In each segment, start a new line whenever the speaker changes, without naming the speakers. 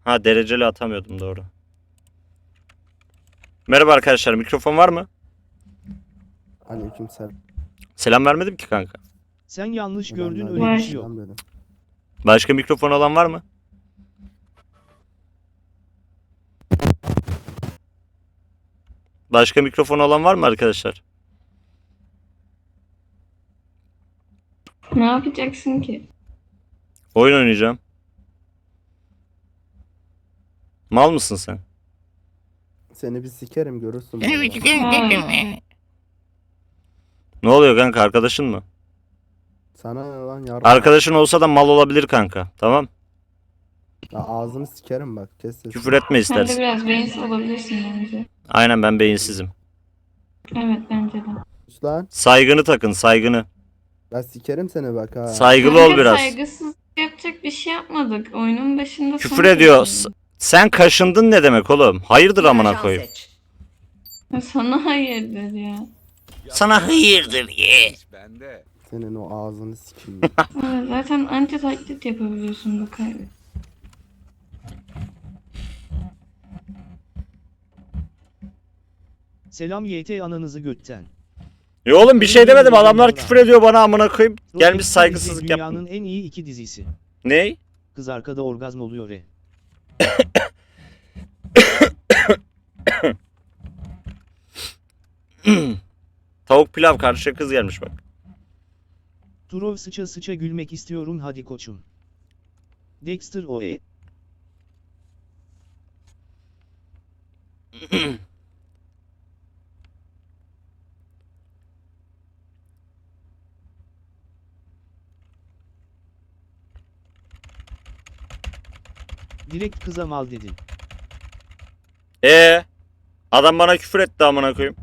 Ha, dereceli atamıyordum, doğru. Merhaba arkadaşlar, mikrofon var mı?
Aleykümselam.
Selam vermedim ki kanka.
Sen yanlış
Ben
gördün,
de
öyle bir
Var.
şey yok.
aleykümselam dedim.
Başka mikrofon olan var mı? Başka mikrofon olan var mı arkadaşlar?
Ne yapacaksın ki?
Oyun oynayacağım. Mal mısın sen?
Seni bir sikerim görürsün. vallahi.
Hayır.
Ne oluyor kanka, arkadaşın mı?
Sana ne lan yardım.
Arkadaşın olsa da mal olabilir kanka. Tamam.
Ya ağzını sikerim bak. Kes sesini.
Küfür etme
Sen de
istersen.
biraz beyinsiz olabilirsin bence.
Aynen, ben beyinsizim.
Evet bence de.
Sus lan.
Saygını takın, saygını.
Ben sikerim seni bak ha.
Saygılı ol
Kanka,
biraz.
saygısız yapacak bir şey yapmadık. Oyunun başında
Küfür
sana
ediyor.
dedim.
Sen kaşındın ne demek oğlum? Hayırdır amına koyayım.
Sana hayırdır ya.
Sana hayırdır ye.
Senin o ağzını sikeyim.
Evet, zaten anti taklit yapabiliyorsun bu kaybı.
Selam YT ananızı götten.
Ya oğlum bir şey demedim, adamlar küfür ediyor bana amına koyayım. Gelmiş
Rocket
saygısızlık
dizisi
yapma.
Dünyanın en iyi iki dizisi.
Ney?
Kız arkada orgazm oluyor e.
Tavuk pilav, karşıya kız gelmiş bak.
Turov sıça sıça gülmek istiyorum hadi koçum. Dexter oe. Direkt kıza mal dedin.
Adam bana küfür etti amına koyayım.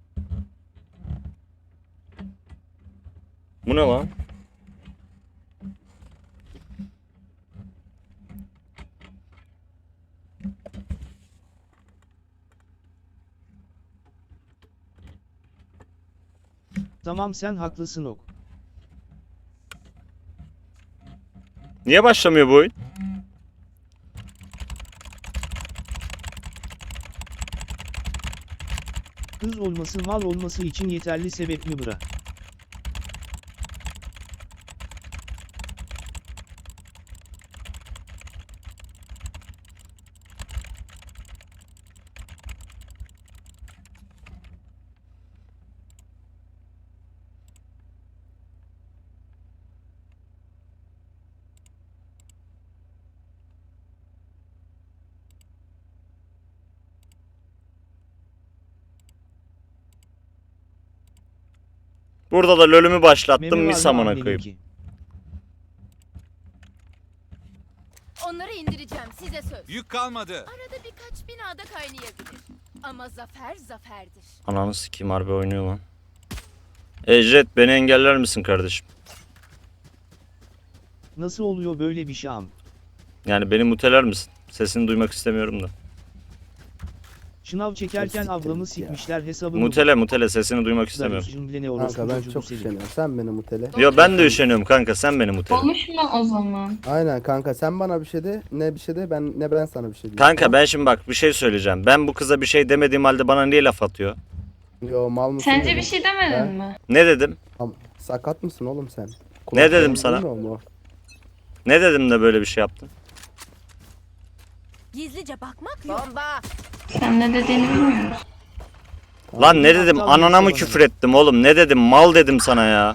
Bu ne lan?
Tamam sen haklısın ok.
Niye başlamıyor bu oyun?
Kız olması mal olması için yeterli sebep mi bra?
Burada da lolümü başlattım,
Meme var
mis
mı
amına
annenin
koyayım.
ki?
Onları indireceğim size söz.
Yük kalmadı.
Arada birkaç binada kaynayabilir. Ama zafer zaferdir.
Ananı sikeyim, harbi oynuyor lan. Jet, beni engeller misin kardeşim?
Nasıl oluyor böyle bir şam?
Yani beni muteler misin? Sesini duymak istemiyorum da.
Şınav çekerken
Siktir
ablamı
git ya.
sikmişler hesabını.
Mutele, sesini duymak istemiyorum.
Kanka ben çok üşeniyorum. Sen beni mutele.
Yo, ben de üşeniyorum kanka, sen beni mutele.
Konuşma o zaman.
Aynen kanka sen bana bir şey de ne bir şey de ben sana bir şey diyeyim.
Kanka ben şimdi bak bir şey söyleyeceğim. Ben bu kıza bir şey demediğim halde bana niye laf atıyor?
Yo mal mısın?
Sence
dedim.
bir şey demedin
Ha?
mi?
Ne dedim?
Sakat mısın oğlum sen?
Ne dedim
Kulakların
sana?
duymuyor mu?
Ne dedim de böyle bir şey yaptın?
Gizlice bakmak yok. Bomba.
Sen ne dediğini bilmiyorum.
Lan ne dedim?
aptal
Anana mı
insan
küfür ettim oğlum? Ne dedim? Mal dedim sana ya.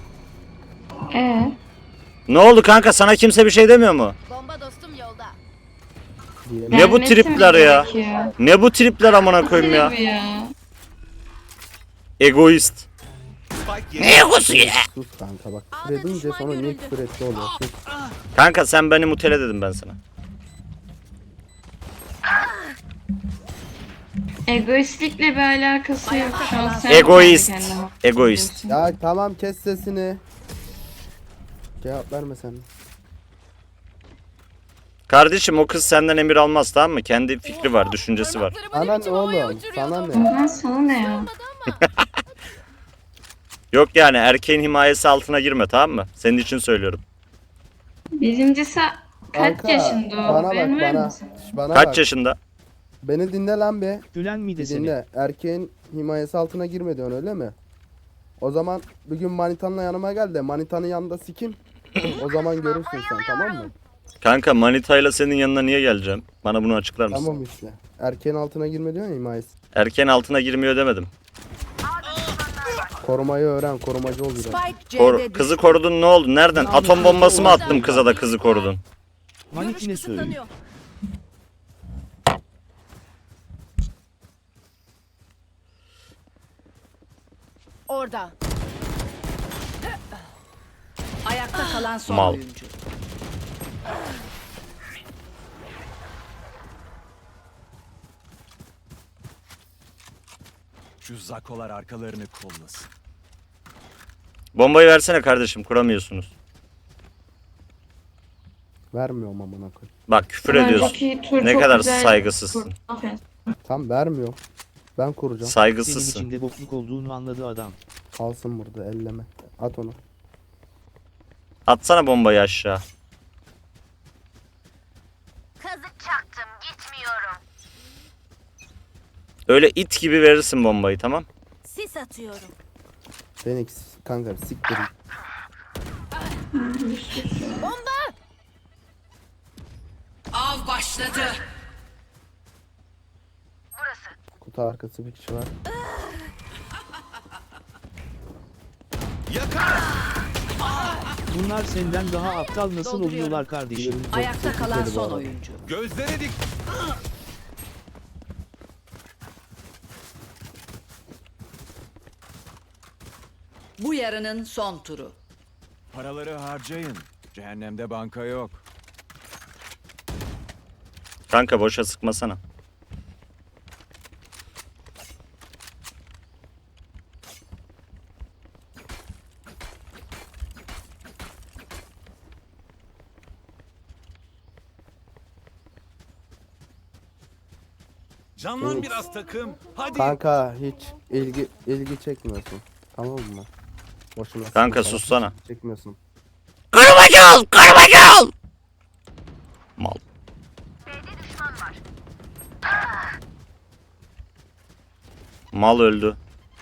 Ne oldu kanka? Sana kimse bir şey demiyor mu?
Bomba dostum yolda.
Diyelim.
Ne bu
Gelmesi mi
tripler ya?
gerekiyor?
Ne bu tripler amına koyayım ya?
Tribi ya.
Egoist.
Spike
Ne egosu ya?
Sus kanka bak.
A'da
Küfür edince
düşman
sonra niye
görüldü.
küfür etti oluyor. Sus.
Kanka sen beni mutele dedim ben sana.
Egoistlikle bir alakası yok. Şu an sen
Egoist.
kendi kendine
Egoist.
bakıyorsun.
Ya tamam kes sesini. Cevap verme sen.
Kardeşim o kız senden emir almaz, tamam mı? Kendi fikri var, düşüncesi var.
Sana ne oğlum? Sana ne?
Lan sana ne ya?
Yok yani erkeğin himayesi altına girme, tamam mı? Senin için söylüyorum.
Birincisi Kaç yaşında o?
Bana bak
Bilmiyor
bana.
musun?
Bana
Kaç
bak.
yaşında?
Beni dinle lan be.
Gülen mi
Bir
desene?
dinle. Erkeğin himayesi altına girme diyorsun öyle mi? O zaman bugün manitanla yanıma gel de manitanın yanında sikim. O zaman görürsün sen, tamam mı?
Kanka manitayla senin yanına niye geleceğim? Bana bunu açıklar mısın?
Tamam işte. Erkeğin altına girme diyorsun ya himayesi.
Erken altına girmiyor demedim.
Korumayı öğren, korumacı ol biraz.
Spike C'de düştü.
Kızı korudun ne oldu? Nereden? Atom bombası mı attım kıza da kızı korudun?
Manit
Görüş
ne söylüyor?
kısıtlanıyor. Orada.
Ayakta kalan son
Mal.
oyuncu.
Şu zakolar arkalarını kollasın.
Bombayı versene kardeşim, kuramıyorsunuz.
Vermiyorum amına koyayım.
Bak küfür
Önceki
ediyorsun.
tur
Ne
çok
kadar
güzel
saygısızsın.
kur- Aferin.
Tam vermiyorum. Ben kuracağım.
Senin
Saygısızsın.
içinde bokluk olduğunu anladı adam.
Kalsın burada elleme. At onu.
Atsana bombayı aşağı.
Kazık çaktım, gitmiyorum.
Öyle it gibi verirsin bombayı, tamam?
Sis atıyorum.
Phoenix kanka siktir.
Bomba!
Av başladı.
Kutu arkası bir kişi var.
Bunlar senden daha aptal nasıl
Dolduruyorum.
oluyorlar kardeşim?
Ayakta kalan son oyuncu.
Gözlere dik.
Bu yarının son turu.
Paraları harcayın. Cehennemde banka yok.
Kanka boşa sıkmasana.
Canlan biraz takım. Hadi.
Kanka hiç ilgi çekmiyorsun. Tamam mı? Boşuna
Kanka
sıkma,
sussana.
çekmiyorsun.
Kırmacıl! Kırmacıl! Mal. Mal öldü.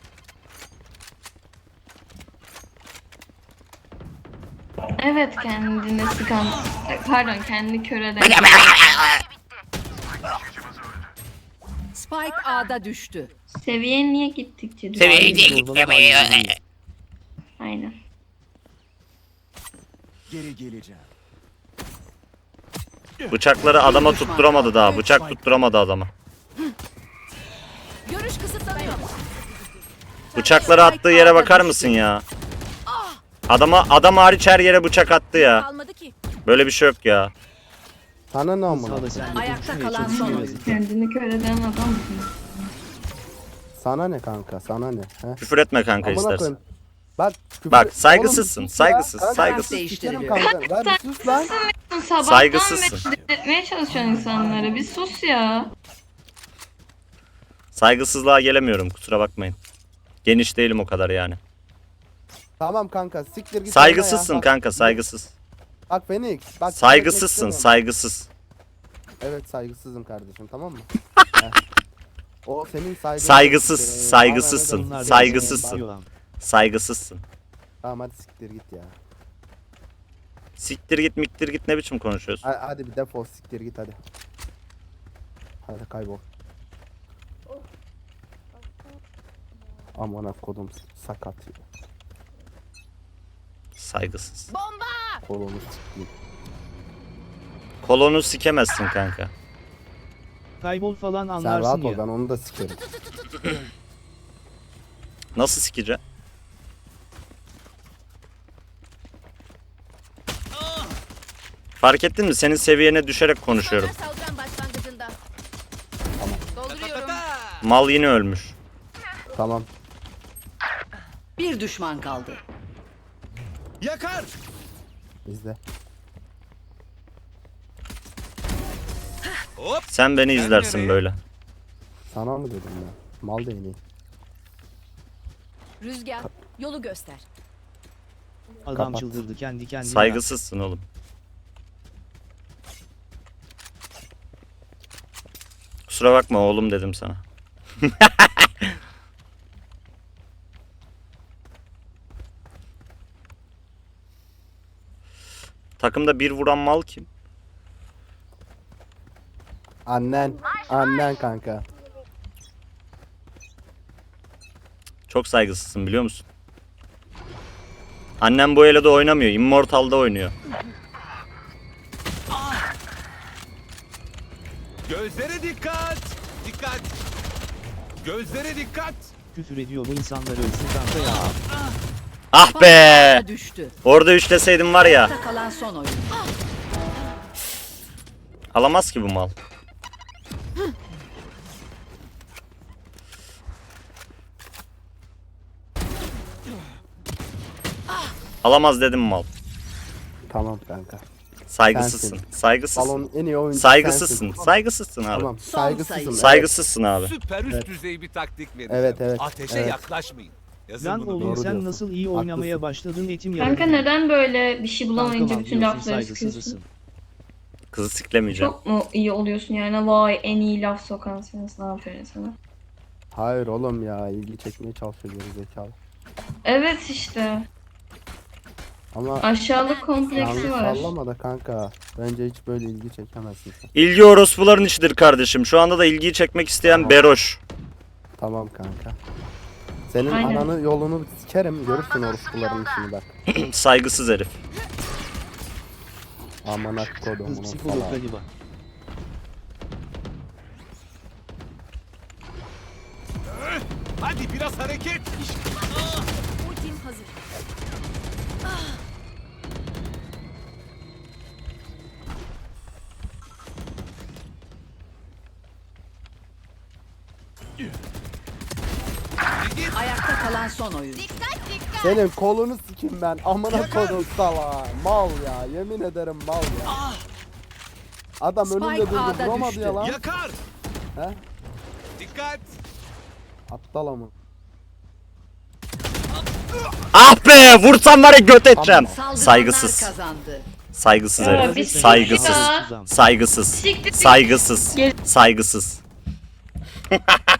Evet, kendini sıkan. Pardon, kendini kör eden.
Spike A'da düştü.
Seviye niye gittikçe düşüyor? Aynen.
Geri geleceğim.
Bıçakları adama tutturamadı daha. Bıçak tutturamadı adama.
Görüş kısıtlanıyor.
Bıçakları attığı yere bakar mısın ya? Adam hariç her yere bıçak attı ya.
Kalmadı ki.
Böyle bir şey yok ya.
Sana ne amına?
Sağda sen de
Ayakta
konuşmaya
kalan son
çalışıyor.
oyuncu.
Kendini kör eden adam mısın?
Sana ne kanka? Sana ne? He?
Küfür etme kanka
Amına
istersen.
koyayım. Bak,
Bak, saygısızsın,
Oğlum, sus ya.
saygısız,
Kanka,
saygısız.
sikerim kanka. Ver bir sus lan.
Sabahtan
Saygısızsın.
beri etmeye çalışıyorsun insanları. Bir sus ya.
Saygısızlığa gelemiyorum, kusura bakmayın. Geniş değilim o kadar yani.
Tamam kanka siktir git.
Saygısızsın
ya. Bak,
kanka, saygısız.
Bak Phoenix. Bak,
Saygısızsın,
istemiyorum.
saygısız.
Evet saygısızım kardeşim, tamam mı? Heh. O senin saygın.
Saygısız, saygısızsın,
Bunlar
saygısızsın,
benziyor lan.
saygısızsın.
Tamam hadi siktir git ya.
Siktir git, miktir git, ne biçim konuşuyorsun?
Hadi bir defol siktir git hadi. Hadi kaybol. Aman kodum sakat ya.
Saygısız.
Bomba!
Kolonu sikeyim.
Kolonu sikemezsin kanka.
Kaybol falan
Sen rahat
anlarsın
ol,
ya.
ben onu da sikerim.
Nasıl sikeceğim? Fark ettin mi? Senin seviyene düşerek konuşuyorum.
Düşmanlar saldıran başlangıcında. Dolduruyorum.
Mal yine ölmüş.
Tamam.
Bir düşman kaldı.
Yakar.
İzle.
Hop.
Sen beni
Sen
izlersin
nereye?
böyle.
Sana mı dedim ya? Mal değneği.
Rüzgar, yolu göster.
Adam
Kapat.
çıldırdı kendi kendine.
Saygısızsın oğlum. Kusura bakma oğlum dedim sana. Takımda bir vuran mal kim?
Annen. Annen kanka.
Çok saygısızsın biliyor musun? Annem bu Elo'da oynamıyor. Immortal'da oynuyor.
Gözlere dikkat. Dikkat. Gözlere dikkat.
Küfür ediyor bu insanlar ölsün kanka ya.
Ah be!
Spike düştü.
Orada üçleseydim var ya.
Ayakta kalan son oyuncu.
Alamaz ki bu mal. Alamaz dedim mal.
Tamam kanka.
Saygısızsın.
Sensin.
Saygısızsın.
Balonun en iyi oyuncusu
Saygısızsın.
sensin.
Saygısızsın abi.
Tamam
Son
saygısızım.
sayı.
Evet.
Saygısızsın abi.
Süper üst
Evet.
düzey bir taktik vereceğim.
Evet, evet,
Ateşe
evet.
yaklaşmayın. Yazın
Lan
bunu.
oğlum
doğru
sen
diyorsun.
nasıl iyi oynamaya
Haklısın.
başladın etim
Kanka
yaradı.
neden böyle bir şey bulamayınca
Kankam
bütün
diyorsun,
lafları sıkıyorsun?
saygısızısın.
Kızı siklemeyeceğim.
Çok mu iyi oluyorsun yani? Vay en iyi laf sokan sensin. Aferin sana.
Hayır oğlum ya, ilgi çekmeye çalışıyor geri zekalı.
Evet işte.
Ama
Aşağılık kompleksi
yalnız
var.
sallama da kanka. Bence hiç böyle ilgi çekemezsin sen.
İlgi orospuların işidir kardeşim. Şu anda da ilgiyi çekmek isteyen Beroş.
Tamam kanka. Senin
Aynen.
ananı yolunu sikerim, görürsün orospuların işini bak.
Saygısız herif.
Amına kodum
Kız
bunu
psikolog
falan.
galiba.
Hadi biraz hareket.
Ultim hazır.
Ayakta kalan son oyuncu.
Dikkat dikkat.
Senin kolunu sikim ben, amına kodum sala. Mal ya, yemin ederim mal ya. Adam
Spike
önünde durdu,
A'da
vuramadı
düştü.
ya lan.
Yakar.
He?
Dikkat.
Aptal ama.
Ah be! Vursam var ya göt edeceğim.
Saldıranlar
Saygısız.
kazandı.
Saygısız
Ya,
herif.
bir
Saygısız.
siktir ya.
Saygısız.
Siktir.
Saygısız.
Gel.
Saygısız.